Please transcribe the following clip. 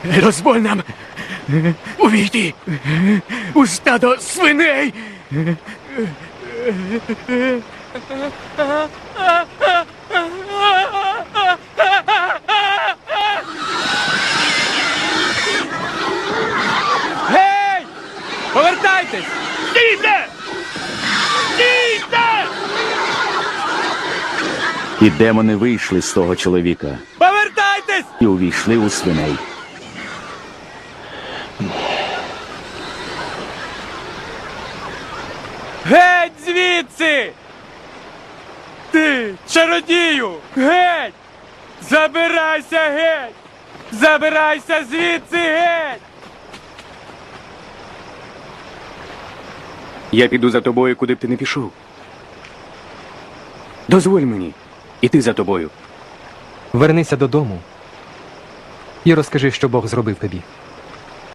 Дозволь нам увійти у стадо свиней. Гей! Повертайтесь! Стійте! Стійте! І демони вийшли з того чоловіка Повертайтесь! і увійшли у свиней. Геть звідси! Ти, чародію! Геть! Забирайся геть! Забирайся звідси геть! Я піду за тобою, куди б ти не пішов. Дозволь мені іти за тобою. Вернися додому і розкажи, що Бог зробив тобі.